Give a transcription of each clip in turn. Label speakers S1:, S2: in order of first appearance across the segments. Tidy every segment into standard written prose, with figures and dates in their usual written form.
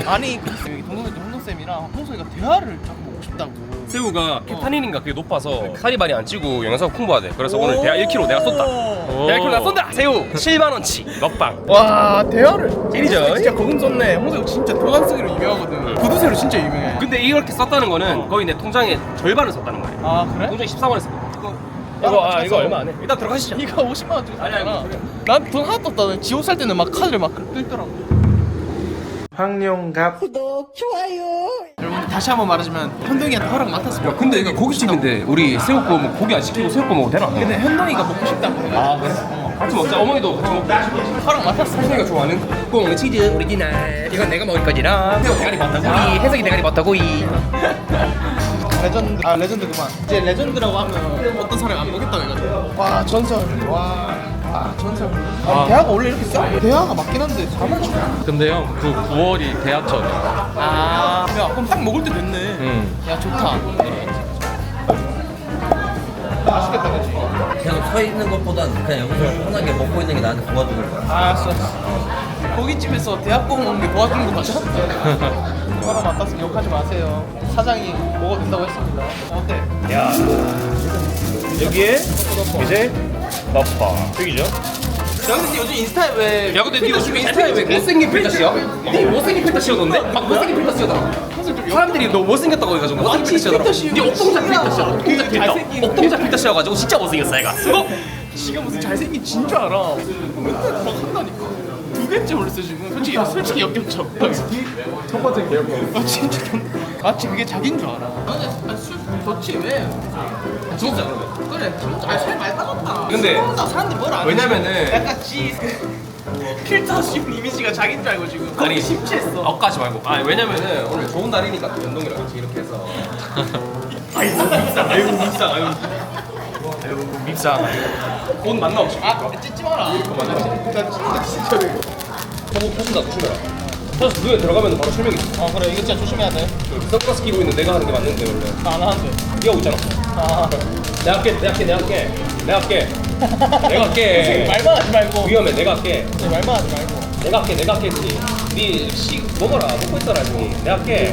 S1: 아니 동동쌤이랑 홍석이가 대화를 자꾸 보고 싶다고.
S2: 새우가 케타닌인가 그게 높아서 살이 많이 안 찌고 영양소 풍부하대. 그래서 오늘 대하 1kg 내가 쏜다. 대하 1kg 내가 쏜다. 새우 7만원치 먹방.
S1: 와 대화를
S2: 찐이죠.
S1: 진짜 거금 썼네. 홍석이 진짜 도장 쓰기로 유명하거든. 구두쇠로 진짜 유명해.
S2: 근데 이렇게 썼다는 거는 거의 내 통장의 절반을 썼다는 거야.
S1: 아 그래?
S2: 통장에 14만 원 썼거든. 이거 얼마 안 해. 일단 들어가시죠.
S1: 이거 50만 원 주고
S2: 아니야,
S1: 샀잖아. 난 돈 하나도 없다. 지옥 살 때는 막 카드를 막 끌더라고.
S3: 황룡갑
S1: 구독 좋아요. 여러분 다시 한번 말하자면 현동이한테 허락 맡았습니다.
S2: 근데 이거 고깃집인데 우리 새우 구워 먹고 고기 안 시키고 새우 구워 먹어도 되나?
S1: 근데 현동이가 먹고 싶다고 해가지고.
S2: 아 그래? 같이 먹자. 어머니도 같이 먹자.
S1: 허락 맡았어.
S2: 혜성이가 좋아하는 구워 먹는 치즈 오리지널. 이건 내가 먹을 거지라. 새우 대가리 버터구이. 혜성이 대가리 버터구이.
S1: 레전드. 아 레전드 그만. 이제 레전드라고 하면 어떤 사람이 안 보겠다고 해가지고. 와 전설. 와 전설. 아니, 대하가 원래 이렇게 싸? 대하가 맞긴 한데 4만 원.
S3: 근데 형 그 9월이 대하철이야.
S1: 아, 야 그럼 딱 먹을 때 됐네. 야 좋다. 맛있겠다 그치?
S4: 그냥 서 있는 것보단 그냥 여기서 편하게 먹고 있는 게 나한테 도와주는 거야.
S1: 알았어. 고깃집에서 대학 구워 먹는 게 도와주는 거 맞아? 사람 안 땄으면 욕하지 마세요. 사장이 먹어도 된다고 했습니다. 어때?
S2: 야 여기에 이제 덮밥 여기죠?
S1: 야 근데 요즘 인스타에 왜?
S2: 야 근데 니 요즘
S1: 인스타에 왜?
S2: 못생긴 필터 씌워? 니 못생긴 필터 씌워던데? 막 못생긴 필터 씌워더라. 사람들이 너 못생겼다고 해가지고 못생긴 필터 씌워더라. 니 옥동자 필터 씌워. 옥동자 필터. 옥동자 필터 씌워가지고 진짜 못생겼어 얘가. 수고.
S1: 지가 무슨 잘생긴 진 줄 알아. 맨날 막 한다니까. 2개째 올렸어 지금. 솔직히 역겹죠. 첫 번째 기억. 아 진짜 마치 그게 자기인 줄 알아. 아니 술 좋지 왜?
S2: 진짜.
S1: 그래 살 많이 빠졌다.
S2: 근데
S1: 사람들이 뭘 안
S2: 왜냐면은
S1: 약간 필터 씌운 이미지가 자기인 줄 알고 지금
S2: 아니
S1: 심취했어.
S2: 엇가지 말고. 아 왜냐면은 오늘 좋은 날이니까 또 연동이랑 같이 이렇게 해서. 아이고 밉상. 아이고 밉상. 아이고 밉상. 옷 만나 없이.
S1: 아 찢지 마라. 나 진짜
S2: 저거 터진다 조심해라. 터져서 눈에 들어가면 바로 실명이 있어.
S1: 아 그래 이거 진짜 조심해야 돼.
S2: 선글라스 끼고 있는 내가 하는 게 맞는데 원래.
S1: 안 하는데.
S2: 네가 오고 있잖아.
S1: 아
S2: 내가 할게. 내가 할게.
S1: 말만 하지 말고.
S2: 위험해. 내가 할게.
S1: 말만 하지 말고.
S2: 내가 할게 했지. 니 먹어라. 먹고 있어라 니. 내가 할게.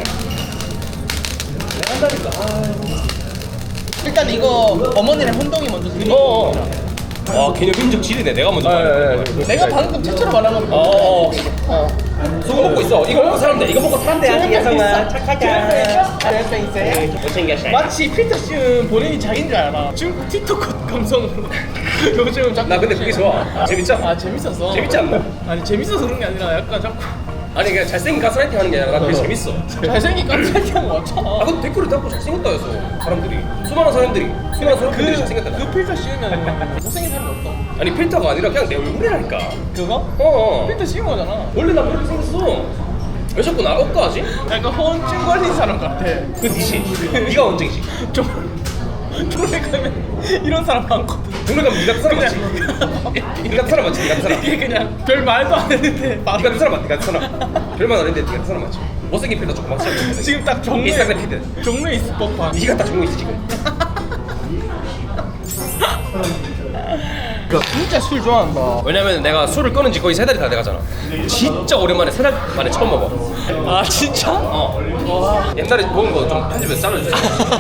S2: 내가 한다니까.
S1: 일단 이거 어머니랑 혼동이 먼저 드리고.
S2: 와 개념 인적 지리네. 내가 먼저 말해.
S1: 내가 방금 최초로 말한 건데.
S2: 소금 먹고 있어. 이거 먹고 사람 돼. 이거 먹고 사람 돼야지. 예성아 착하자.
S1: 잘생겼어요.
S2: 못생겼어.
S1: 마치 필터 씌운 본인이 자기인 줄 알아. 중국 틱톡 감성으로. 요즘 자꾸.
S2: 나 근데 그게 좋아. 재밌잖아.
S1: 아 재밌었어.
S2: 재밌지 않나?
S1: 아니 재밌어서 그런 게 아니라 약간 자꾸
S2: 아니 그냥 잘생긴 가스라이팅 하는 게 아니라 나 그게 재밌어.
S1: 잘생긴 깜짝이야 왔잖아.
S2: 아 근데 댓글을 달고 잘생겼다 해서 사람들이 수많은 사람들이 잘생겼다.
S1: 그 필터 씌우면 못생긴 사람이 없다.
S2: 아니 필터가 아니라 그냥 내 얼굴이라니까.
S1: 그거? 필터 씌운 거잖아.
S2: 원래 나 그렇게 생겼어. 왜 자꾸 나 억까하지?
S1: 약간 허언증 걸린 사람 같아.
S2: 그 니지. 네가 원증이지.
S1: 종래 가면 이런 사람 많거든.
S2: 동네 가면 니 같은 사람 맞지? 니 같은 사람 맞지? 니 같은 사람.
S1: 이게 그냥 별 말도 안 했는데
S2: 니 같은 사람 맞지? 니 같은 사람. 별말 안 했는데 니 같은 사람 맞지? 못생긴 필터 조금 맞지?
S1: 지금 딱 종래
S2: 인스타그램 피드.
S1: 종래 있을 법한.
S2: 니가 딱 정보 있지 지금.
S1: 진짜 술 좋아한다.
S2: 왜냐면 내가 술을 끊은 지 거의 3달이 다 돼가잖아. 진짜 오랜만에 3달 만에 처음 먹어.
S1: 아 진짜?
S2: 옛날에 먹은 거 좀 편집해서 잘라주세요.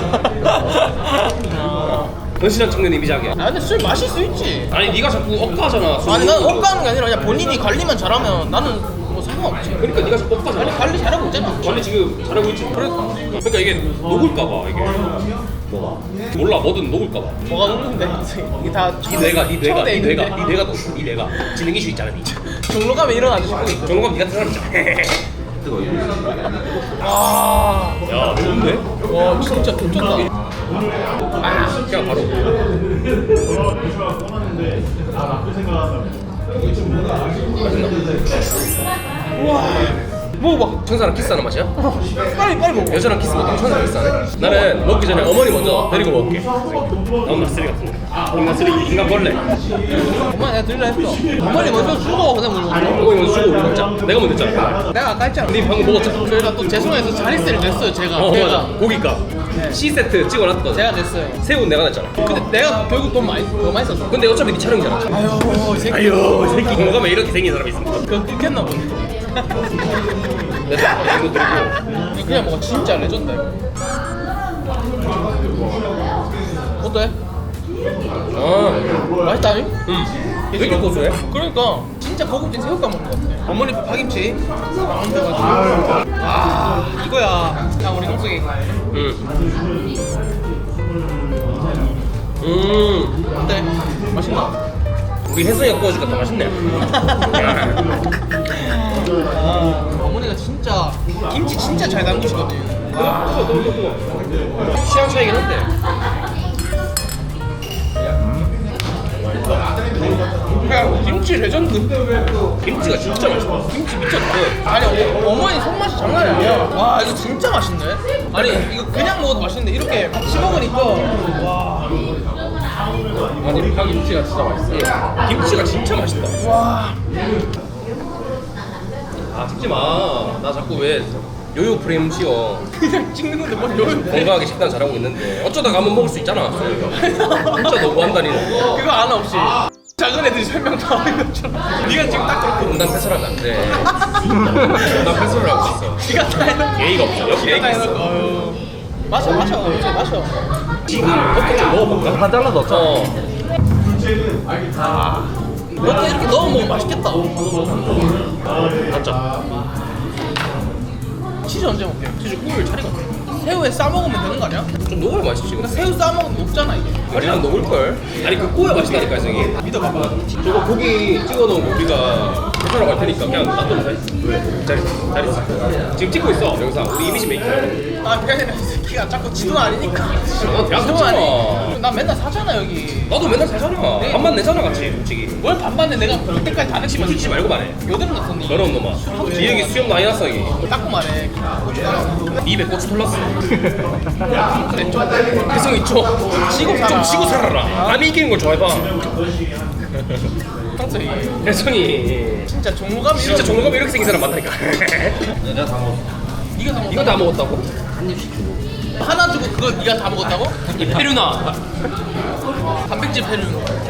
S2: 건실한 청년 이미지하게.
S1: 아 근데 술 마실 수 있지.
S2: 아니 네가 자꾸 억까하잖아.
S1: 아니 난 억까하는 게 아니라 그냥 본인이 관리만 잘하면 나는 뭐 상관없지.
S2: 그러니까 네가 자꾸 억까잖아.
S1: 아니 관리 잘하고 있잖아.
S2: 관리 지금 잘하고 있지. 그러니까 이게 녹을까봐 이게. 뭐가? 몰라 뭐든 녹을까봐.
S1: 뭐가 녹는데? 이게 다
S2: 네 뇌가 지능 이슈 있잖아 니.
S1: 종로 가면 이런 아저씨 보고 있고.
S2: 정감 니 같은 사람 있잖아.
S1: 와,
S2: 야 좋은데?
S1: 와 진짜 괜찮다.
S2: 그냥 바로. 먹어봐. 천사랑 키스하는 맛이야?
S1: 빨리 먹어.
S2: 여자랑 키스 못하면 천사랑 키스하네? 나는 먹기 전에 어머니 먼저 데리고 먹을게. 너무 쓰레기 같은 거. 인간 쓰레기, 인간 벌레.
S1: 엄마 내가 들으려 했어. 어머니 먼저 주고 그다음 우리 먹자.
S2: 어머니 먼저 주고 우리 먹자. 내가 먼저 했잖아.
S1: 내가 아까 했잖아.
S2: 네 방금 먹었잖아.
S1: 저희가 또 죄송해서 자릿세를 냈어요 제가.
S2: 맞아. 고기값. C세트 찍어놨거든.
S1: 제가 냈어요.
S2: 새우는 내가 냈잖아.
S1: 근데 내가 결국 더 많이 썼어.
S2: 근데 어차피 네 촬영이잖아.
S1: 아유 이 새끼.
S2: 아유, 이 새끼 공감에 이렇게 생긴 사람이 있습니다.
S1: 그거 끊겼나 보네.
S2: 내 생각에 이거 들고.
S1: 그냥 뭔가 진짜 레전드 이거. 어때? 맛있다니?
S2: 왜 이렇게 고소해?
S1: 그러니까 진짜 고급진 새우깡 먹는 것 같아. 어머니 파김치 나온다가지고 이거야. 자 우리 동석이 어때? 맛있나?
S2: 우리 혜성이가 구워주니까 더 맛있네.
S1: 어머니가 진짜 김치 진짜 잘 담그시거든.
S2: 취향 차이긴 한데.
S1: 그냥 김치 레전드.
S2: 김치가 진짜 맛있어.
S1: 김치 미쳤다. 아니 어머니 손맛이 장난이 아니야. 와 이거 진짜 맛있네. 아니 이거 그냥 먹어도 맛있는데 이렇게 같이 먹으니까 와.
S2: 아니 파김치가 진짜 맛있어. 김치가 진짜 맛있다.
S1: 와.
S2: 아 찍지 마. 나 자꾸 왜 요요 프레임 씌워.
S1: 그냥 찍는 건데 뭘 여유.
S2: 건강하게 식단 잘하고 있는데 어쩌다가 한번 먹을 수 있잖아. 진짜 너무한다니.
S1: 그거 하나 없이 작은 애들이 설명 다 하는 것처럼 네가 지금 딱 그렇게
S2: 분단 패스하면 안 돼. 분단 패스를 하고 있어.
S1: 네가 다 해놓고
S2: 예의가 없어. 여기
S1: 네가
S2: 예의가
S1: 다
S2: 있어.
S1: 해놓고 어휴. 마셔 이제 마셔.
S2: 지금 어떻게 좀 먹어볼까?
S4: 다 잘라 넣자.
S1: 이렇게 넣어 먹으면 맛있겠다.
S2: 맞죠?
S1: 치즈 언제 먹게? 치즈 꿀 차리가 없네. 새우에 싸 먹으면 되는 거 아니야?
S2: 좀 녹아야 맛있지.
S1: 근데 새우 싸 먹으면 녹잖아 이게.
S2: 아니랑 녹을걸? 아니 그 꼬야 맛있다니까 혜성이.
S1: 믿어봐봐.
S2: 저거 고기 찍어놓은 거 우리가 해설하고 갈 테니까 그냥 놔둬도 돼? 왜? 잘 있어. 지금 찍고 있어 영상. 우리 이미지 메이킹.
S1: 아 그게 아니라 이 새끼가 자꾸 지돈 아니니까.
S2: 너 대학
S1: 지돈
S2: 갔잖아.
S1: 아니. 나 맨날 사잖아 여기.
S2: 나도 맨날 사잖아.
S1: 네.
S2: 밥만 내잖아 같이 솔직히.
S1: 뭘 반반에 내가 그때까지 다
S2: 집을 주지 말고 말해.
S1: 여드름 났었니?
S2: 더러운 놈아. 기획이 수염 많이 났어 이게.
S1: 닦고 말해.
S2: 입에 고추 털났어. 그래 좀 혜성이 좀 지고 살아라. 남이 이기는 걸 좋아해봐.
S1: 평소에
S2: 혜성이
S1: 진짜 종무감이
S2: 진짜 종로감 이렇게 생긴 사람 많다니까.
S4: 내가 다 먹었어.
S1: 네가 다 먹었다고?
S2: 이거 다 먹었다고?
S4: 한 입씩 주고.
S1: 하나 주고 그거 네가 다 먹었다고?
S2: 이 페류나.
S1: 단백질 페류.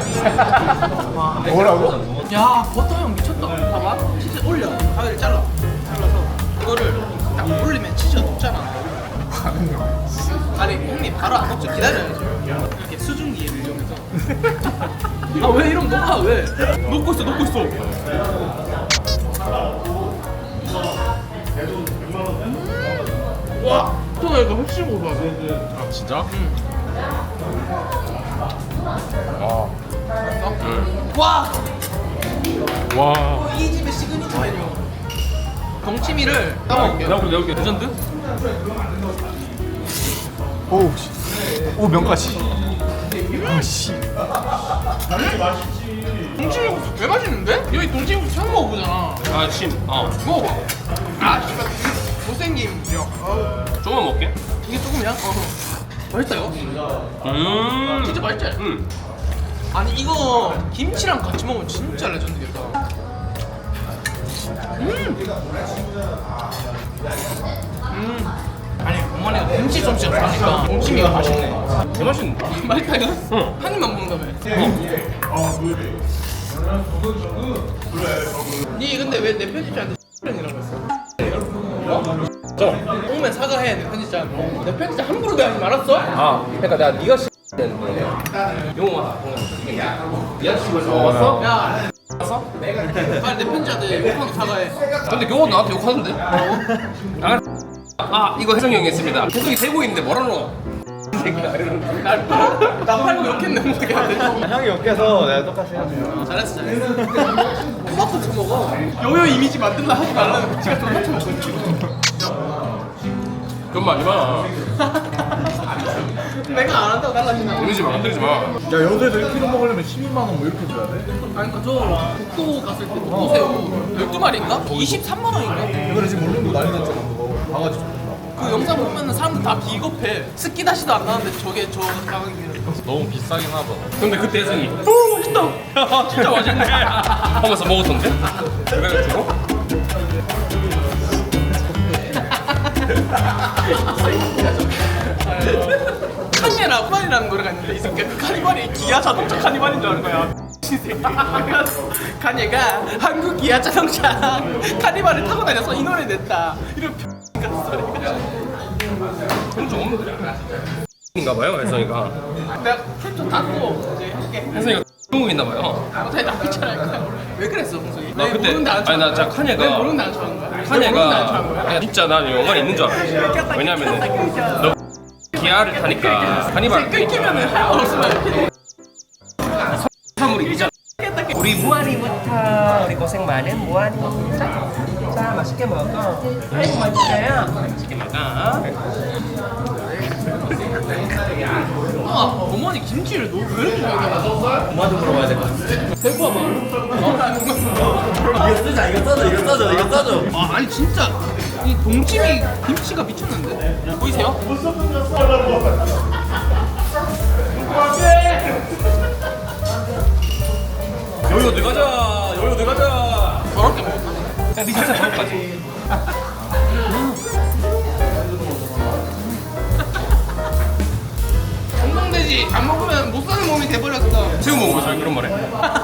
S1: 뭐라고? 야 버터 형 미쳤다. 봐봐. 치즈 올려. 가위를 잘라서 이거를 딱 올리면 치즈가 녹잖아. 아니 형님 바로 안 녹죠. 기다려야죠. 이렇게 수증기를 이용해서. 아 왜 이러면 녹아 왜? 녹고 있어. 와, 버터가 이거 훨씬 고소하다.
S3: 아 진짜?
S1: 와,
S3: 와.
S1: 이 집의 시그니처 메뉴. 동치미를 따먹을게요.
S3: 내가
S1: 레전드?
S5: 오 명까지. 씨.
S1: 동치미국수 개 맛있는데? 여기 동치미국수 처음 먹어보잖아.
S2: 아 침.
S1: 먹어봐. 아, 씨발. 못생김.
S2: 조금만 먹게.
S1: 이게 조금이야? 맛있어요. 진짜 맛있지? 아니 이거 김치랑 같이 먹으면 진짜 레전드겠다. 아니 어머니가 김치 솜씨가 좋아하니까 동치미가 맛있네.
S2: 개 맛있는데.
S1: 맛있다 이거?
S2: 응.
S1: 한 입만 먹는다며. 니 근데 왜 내 편집자한테 이라고 했어?
S2: 저.
S1: 오면 사과해 내 편집자한테. 내 편집자 함부로 대하지 말았어?
S2: 아, 그러니까 내가 네가 되는데 용어 니가 왔어?
S1: 야 왔어? 빨리 내 편집자한테 욕하고 사과해.
S2: 근데 교원 나한테 욕하는데? 아 이거 혜성이 형이 했습니다. 혜성이 세고 있는데 뭐라노?
S1: 나 팔고 욕했네 모르겠는데.
S5: 형이 욕해서 내가 똑같이 해야 돼.
S1: 잘했어. 토마토 쳐먹어. 요요 이미지 만들라 하지 말라는 지가 토마토 먹고 있지.
S2: 그건 많이 마.
S1: 내가 안 한다고 달라지나?
S2: 이러지 마, 흔들지 마.
S5: 야 여기에서 1kg 먹으려면 12만 원 뭐 이렇게 줘야 돼?
S1: 아니 그러니까 저 국도 갔을 때 국도새우 12마리인가? 23만 원인가?
S5: 이거를 지금 모르는 거 난리 났잖아 그거. 바가지 좀.
S1: 그 영상 보면은 사람들 다 비겁해. 스키다시도 안 나는데 저게 저 가격이면.
S3: 너무 비싸긴 하다.
S2: 근데 그때 혜성이 오 맛있다. 야, 진짜 맛있네. 하면서 먹었던데? 그래가지고
S1: 카니라 후란이라는 노래가 있는데 이 새끼 그 카니발이 기아 자동차 카니발인 줄 아는 거야. 간예가 한국 기아 자동차 카니발을 타고 다녀서 이 노래 냈다. 이런 같은 소리가.
S2: 그럼 좀 인가봐요 혜성이가.
S1: 내가 캡처 닫고 이제 할게.
S2: 혜성이가 중국 있나봐요.
S1: 아무튼 나쁘지 않을 거야. 왜 그랬어, 홍석이?
S2: 나 그때 아니 나 진짜 칸예가
S1: 내 모르는데 안 좋아하는 거야? 내 모르는데 안 좋아하는 거야?
S2: 칸예가 진짜 나 연관이 있는 줄 알았어. 왜냐면은 너 기아를 타니까 카니발
S1: 끊기면은 할 말 없으면
S2: 사물이 이잖아. 우리 무한이부터 우리 고생 많은 무한이. 자 맛있게 먹어. 아이고 맛있어요. 맛있게 먹어.
S1: 어머니 김치를 왜 이렇게 좋아하냐?
S4: 엄마한테 물어봐야 될 것 같아.
S1: 대구 봐봐.
S4: 이거 쓰자, 이거 써줘, 이거 써줘, 이거 써줘.
S1: 아, 아니 진짜 이 동치미 김치가 미쳤는데? 보이세요?
S2: 여유 어디 가자. 여유 어디 가자.
S1: 저렇게 먹었나?
S2: 야, 니 진짜 저까지.
S1: 건강돼지 안 먹으면 못 사는 몸이 돼버렸어.
S2: 새우 먹어보세요 그런 말에.